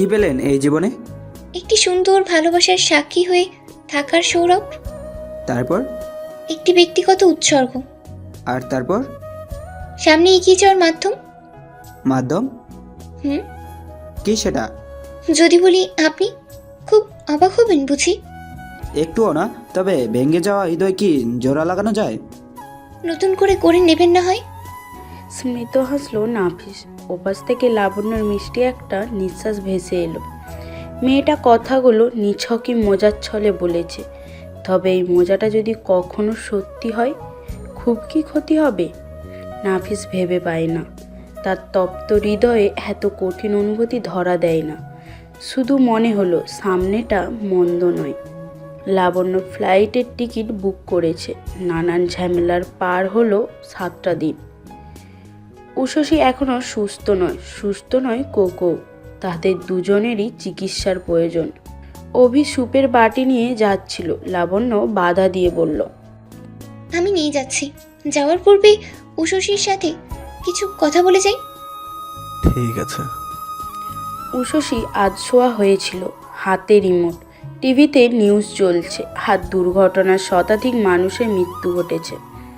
কি পেলেন এই জীবনে? একটি সুন্দর ভালোবাসার সাক্ষী হয়ে থাকার সৌরভ, তারপর? একটি ব্যক্তিগত উৎসর্গ, আর তারপর? সামনে এগিয়ে যাওয়ার মাধ্যম। মাধ্যম? হুম, কি সেটা? যদি বলি আপনি খুব অবাক হবেন বুঝি। একটুও না, তবে ভেঙে যাওয়া হৃদয় কি জোড়া লাগানো যায়? নতুন করে নেবেন না হয়। স্মিত হাসলো নাফিস। ওপাশ থেকে লাবণ্যর মিষ্টি একটা নিঃশ্বাস ভেসে এলো। মেয়েটা কথাগুলো নিছকই মজার ছলে বলেছে, তবে এই মজাটা যদি কখনো সত্যি হয়, খুব কি ক্ষতি হবে? নাফিস ভেবে পায় না। তার তপ্ত হৃদয়ে এত কঠিন অনুভূতি ধরা দেয় না। শুধু মনে হলো সামনেটা মন্দ নয়। লাবণ্য ফ্লাইটের টিকিট বুক করেছে। নানান ঝামেলার পার হলো 7টা দিন। উষসী এখনও সুস্থ নয় কোকো। তাদের দুজনেরই চিকিৎসার প্রয়োজন। অভি সুপের বাটি নিয়ে যাচ্ছিল। লাবণ্য বাধা দিয়ে বলল, আমি নিয়ে যাচ্ছি। যাওয়ার পূর্বে উষসীর সাথে কিছু কথা বলে যাই। ঠিক আছে। উষসী আধশোয়া হয়েছিল, হাতে রিমোট। টিভিতে নিউজ চলছে, আর দুর্ঘটনার শতাধিক মানুষের মৃত্যু ঘটেছে।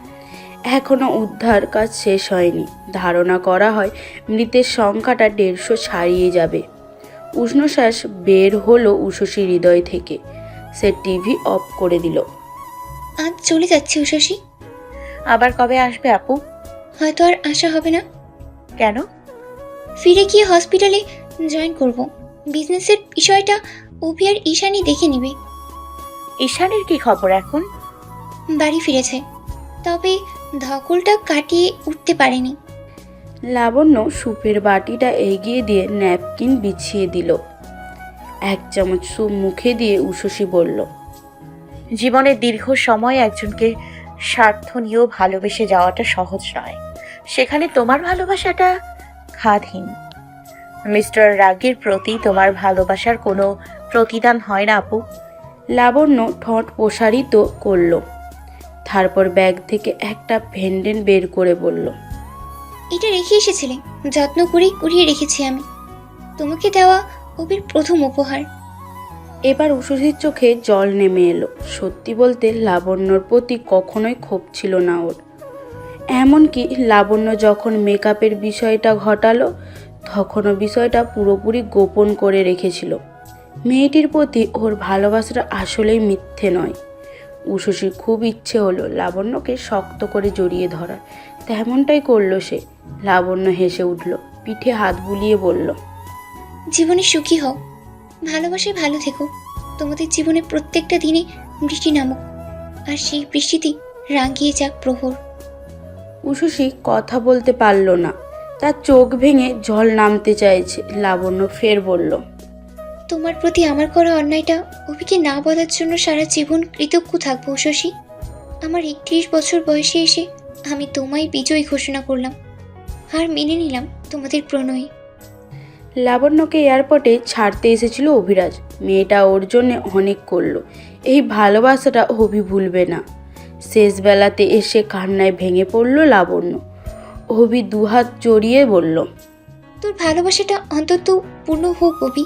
এখনও উদ্ধার কাজ শেষ হয়নি। ধারণা করা হয় মৃতের সংখ্যাটা 150 ছাড়িয়ে যাবে। উষ্ণশ্বাস বের হলো উষসীর হৃদয় থেকে। সে টিভি অফ করে দিল। আজ চলে যাচ্ছি উষসী। আবার কবে আসবে আপু? হয়তো আর আশা হবে না। কেন? ফিরে গিয়ে হসপিটালে জয়েন করব। বিজনেসের বিষয়টা অভি আর ঈশানী দেখে নিবে। ঈশানের কি খবর এখন? বাড়ি ফিরেছে, তবে ধকলটা কাটিয়ে উঠতে পারেনি। লাবণ্য সুপের বাটিটা এগিয়ে দিয়ে ন্যাপকিন বিছিয়ে দিল। 1 চামচ সুপ মুখে দিয়ে উষসী বলল, জীবনের দীর্ঘ সময় একজনকে স্বার্থ নিয়েও ভালোবেসে যাওয়াটা সহজ নয়। সেখানে তোমার ভালোবাসাটা খাদহীন। মিস্টার রাগের প্রতি তোমার ভালোবাসার কোনো প্রতিদান হয় না আপু। লাবণ্য ঠোঁট প্রসারিত করল। তারপর ব্যাগ থেকে একটা ভেন্ডেন বের করে বলল, এটা রেখে এসেছিলে, যত্ন করেই কুড়িয়ে রেখেছি আমি। তোমাকে দেওয়া অভির প্রথম উপহার। এবার উষসীর চোখে জল নেমে এলো। সত্যি বলতে লাবণ্যর প্রতি কখনোই ক্ষোভ ছিল না ওর। এমনকি লাবণ্য যখন মেকআপের বিষয়টা ঘটালো, তখনও বিষয়টা পুরোপুরি গোপন করে রেখেছিল। মেয়েটির প্রতি ওর ভালোবাসাটা আসলেই মিথ্যে নয়। উষসীর খুব ইচ্ছে হলো লাবণ্যকে শক্ত করে জড়িয়ে ধরার। তেমনটাই করলো সে। লাবণ্য হেসে উঠল, পিঠে হাত বুলিয়ে বলল, জীবনে সুখী হও, ভালোবাসায় ভালো থেকো। তোমাদের জীবনে প্রত্যেকটা দিনে বৃষ্টি নামুক, আর সেই বৃষ্টিতে রাঙিয়ে যাক প্রহর। উষসী কথা বলতে পারল না। তার চোখ ভেঙে জল নামতে চাইছে। লাবণ্য ফের বলল, তোমার প্রতি আমার করা অন্যায়টা অভিকে না বলার জন্য সারা জীবন কৃতজ্ঞ থাকবো উষসী। আমার 31 বছর বয়সে এসে আমি তোমায় বিজয়ী ঘোষণা করলাম, আর মেনে নিলাম তোমাদের প্রণয়। লাবণ্যকে এয়ারপোর্টে ছাড়তে এসেছিল অভিরাজ। মেয়েটা ওর জন্য অনেক করলো। এই ভালোবাসাটা অভি ভুলবে না। শেষ বেলাতে এসে কান্নায় ভেঙে পড়ল লাবণ্য। অভি দুহাত জড়িয়ে বলল, তোর ভালোবাসাটা অন্তত পূর্ণ হোক অভি।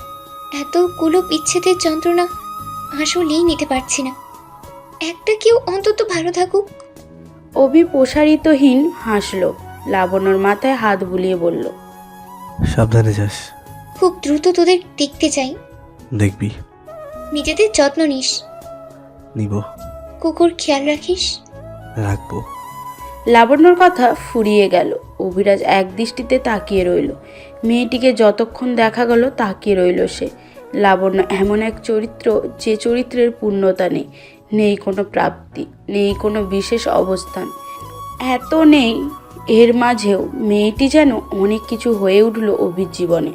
এতগুলো বিচ্ছেদের যন্ত্রণা আসলেই নিতে পারছি না। একটা কেউ অন্তত ভালো থাকুক। অভি প্রসারিতহীন হাসল। লাবণ্যর মাথায় হাত বুলিয়ে বলল, সাবধানে যাস। খুব দ্রুত তোদের দেখতে চাই। দেখবি। নিজেদের যত্ন নিস। নিব। কুকুর খেয়াল রাখিস। রাখবো। লাবণ্যর কথা ফুরিয়ে গেল। অভিরাজ এক দৃষ্টিতে তাকিয়ে রইল। মেয়েটিকে যতক্ষণ দেখা গেল তাকিয়ে রইল সে। লাবণ্য এমন এক চরিত্র, যে চরিত্রের পূর্ণতা নেই, নেই কোনো প্রাপ্তি, নেই কোনো বিশেষ অবস্থান। এত নেই, এর মাঝেও মেয়েটি যেন অনেক কিছু হয়ে উঠল অভির জীবনে।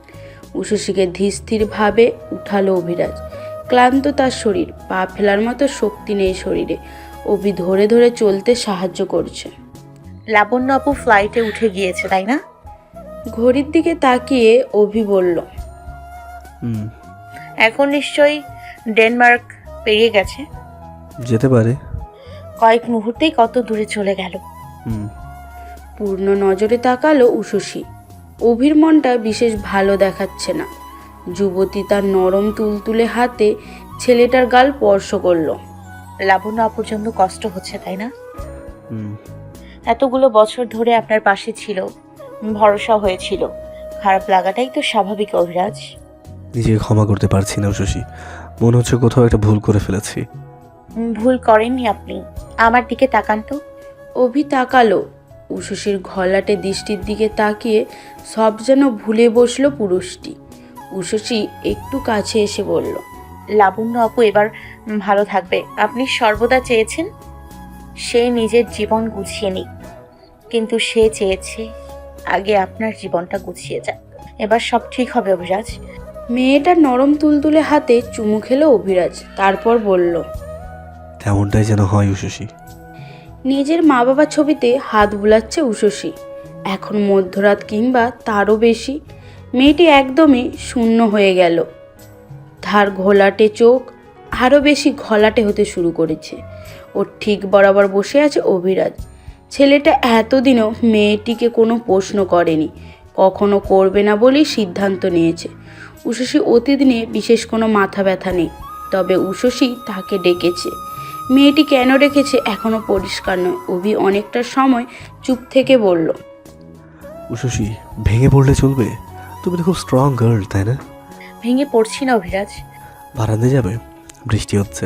উষসীকে ধীরস্থিরভাবে উঠালো অভিরাজ। ক্লান্ত তার শরীর, পা ফেলার মতো শক্তি নেই শরীরে। অভি ধরে ধরে চলতে সাহায্য করছে। লাবণ্য আপু ফ্লাইটে উঠে গিয়েছে, তাই না? ঘড়ির দিকে তাকিয়ে অভি বলল, এখন নিশ্চয়ই ডেনমার্ক পেরিয়ে গেছে। যেতে পারে। কয়েক মুহূর্তেই কত দূরে চলে গেল। পূর্ণ নজরে তাকালো উষসী। অভির মনটা বিশেষ ভালো দেখাচ্ছে না। যুবতী তার নরম তুলতুলে হাতে ছেলেটার গাল স্পর্শ করলো। লাবণ্য আপুর জন্য কষ্ট হচ্ছে তাই না? হুম, এতগুলো বছর ধরে আপনার পাশে ছিল, ভরসা হয়েছিল, খারাপ লাগাটাই তো স্বাভাবিক অভিরাজ। নিজেকে ক্ষমা করতে পারছি না শশী। মনে হচ্ছে কোথাও একটা ভুল করে ফেলেছি। ভুল করেননি আপনি, আমার দিকে তাকান তো। অভি তাকালো। উষসীর ঘলাটে দৃষ্টির দিকে তাকিয়ে সব যেন ভুলে বসলো পুরুষটি। উষসী একটু কাছে এসে বলল, লাবণ্য আপু এবার ভালো থাকবে, আপনি সর্বদা চেয়েছেন সে নিজের জীবন গুছিয়ে নিক, কিন্তু সে চেয়েছে আগে আপনার জীবনটা গুছিয়ে যাক। এবার সব ঠিক হবে অভিরাজ। মেয়েটার নরম তুলতুলে হাতে চুমু খেলো অভিরাজ, তারপর বলল, তেমনটাই যেন হয় উষসী। নিজের মা বাবার ছবিতে হাত বুলাচ্ছে উষসী। এখন মধ্যরাত কিংবা তারও বেশি। মেয়েটি একদমই শূন্য হয়ে গেল। ধার ঘোলাটে চোখ আরও বেশি ঘোলাটে হতে শুরু করেছে। ওর ঠিক বরাবর বসে আছে অভিরাজ। ছেলেটা এতদিনও মেয়েটিকে কোনো প্রশ্ন করেনি, কখনো করবে না বলেই সিদ্ধান্ত নিয়েছে। উষসী অতীত নিয়ে বিশেষ কোনো মাথা ব্যথা নেই, তবে উষসী তাকে ডেকেছে। মেয়েটি কেন রেখেছে এখনও পরিষ্কার নয়। অভি অনেকটা সময় চুপ থেকে বলল, উষসী, ভেঙে পড়লে চলবে? তুমি তো খুব স্ট্রং গার্ল, তাই না? ভেঙে পড়ছি না অভিরাজ। বারান্দায় যাবে? বৃষ্টি হচ্ছে।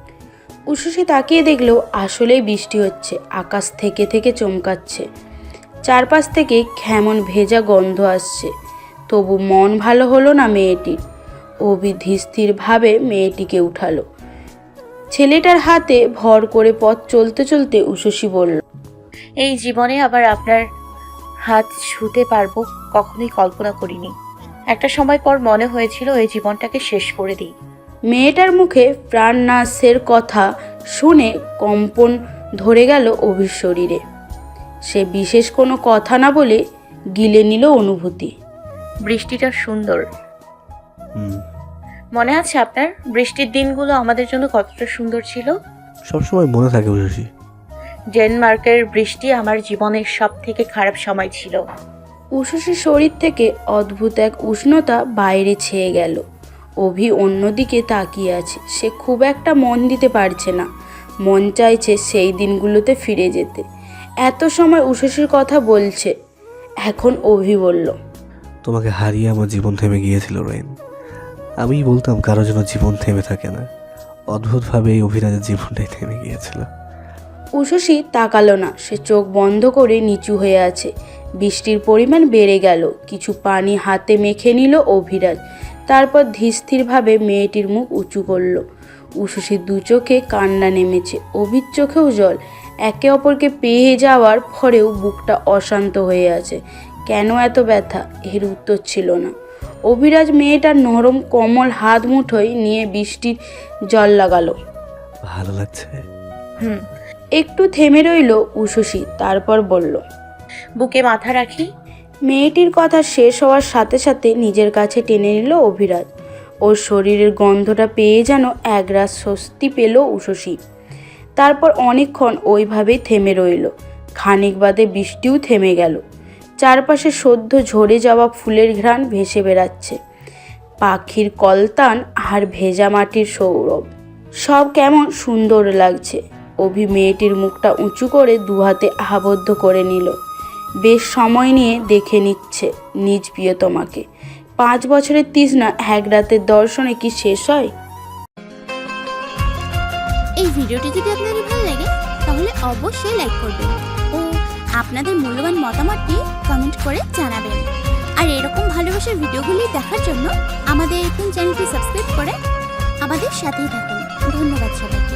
উষসী তাকিয়ে দেখলেও আসলেই বৃষ্টি হচ্ছে। আকাশ থেকে থেকে চমকাচ্ছে, চারপাশ থেকে কেমন ভেজা গন্ধ আসছে। তবু মন ভালো হলো না মেয়েটির। অভি ধীরস্থিরভাবে মেয়েটিকে উঠালো। ছেলেটার হাতে ভর করে পথ চলতে চলতে উষসী বলল, এই জীবনে আবার আপনার হাত ছুঁতে পারবো কখনোই কল্পনা করিনি। একটা সময় পর মনে হয়েছিল এই জীবনটাকে শেষ করে দিই। মেয়েটার মুখে প্রাণনাশের কথা শুনে কম্পন ধরে গেল অভির শরীরে। সে বিশেষ কোনো কথা না বলে গিলে নিল অনুভূতি। বৃষ্টিটা সুন্দর, হুম, মনে আছে আপনার? বৃষ্টির দিনগুলো আমাদের জন্য কতটা সুন্দর ছিল। সবসময় মনে থাকে উষসী। ডেনমার্কের বৃষ্টি আমার জীবনের সব থেকে খারাপ সময় ছিল। উষসীর শরীর থেকে অদ্ভুত এক উষ্ণতা বাইরে ছেয়ে গেল। অভি অন্যদিকে তাকিয়ে আছে। সে খুব একটা মন দিতে পারছে না। মন চাইছে সেই দিনগুলোতে ফিরে যেতে। এত সময় উষসীর কথা বলছে, এখন অভি বলল, তোমাকে হারিয়ে আমার জীবন থেমে গিয়েছিল রেন। আমি বলতাম কারো জন্য জীবন থেমে থাকে না। অদ্ভুতভাবে এই অভিরাজের জীবনটাই থেমে গিয়েছিল। উষসী তাকালো না। সে চোখ বন্ধ করে নিচু হয়ে আছে। বৃষ্টির পরিমাণ বেড়ে গেল। কিছু পানি হাতে মেখে নিল অভিরাজ। তারপর ধীরস্থিরভাবে মেয়েটির মুখ উঁচু করল। উষসীর দু চোখে কান্না নেমেছে, অভির চোখেও জল। একে অপরকে পেয়ে যাওয়ার পরেও বুকটা অশান্ত হয়ে আছে। কেন এত ব্যথা, এর উত্তর ছিল না। অভিরাজ মেয়েটার নরম কোমল হাত মুঠোয় নিয়ে বৃষ্টির জল লাগালো। ভালো লাগছে? হুম। একটু থেমে রইল উষসী, তারপর বলল, বুকে মাথা রাখি। মেয়েটির কথা শেষ হওয়ার সাথে সাথে নিজের কাছে টেনে নিল অভিরাজ। ওর শরীরের গন্ধটা পেয়ে যেন একরাশ স্বস্তি পেল উষসী। তারপর অনেকক্ষণ ওইভাবেই থেমে রইল। খানিক বাদে বৃষ্টিও থেমে গেল। চারপাশে সদ্য ঝরে যাওয়া ফুলের ঘ্রাণ ভেসে বেড়াচ্ছে। পাখির কলতান আর ভেজা মাটির সৌরভ সব কেমন সুন্দর লাগছে। অভি মেয়েটির মুখটা উঁচু করে দুহাতে আবদ্ধ করে নিল। বেশ সময় নিয়ে দেখে নিচ্ছে নিজ প্রিয়তমাকে। 5 বছরের তৃষ্ণা এক রাতের দর্শনে কি শেষ হয়? এই ভিডিওটি যদি আপনাদের ভালো লাগে তাহলে অবশ্যই লাইক করবেন ও আপনাদের মূল্যবান মতামতটি কমেন্ট করে জানাবেন। আর এরকম ভালোবাসার ভিডিওগুলি দেখার জন্য আমাদের এখন চ্যানেলটি সাবস্ক্রাইব করে আমাদের সাথেই থাকুন। ধন্যবাদ সবাইকে।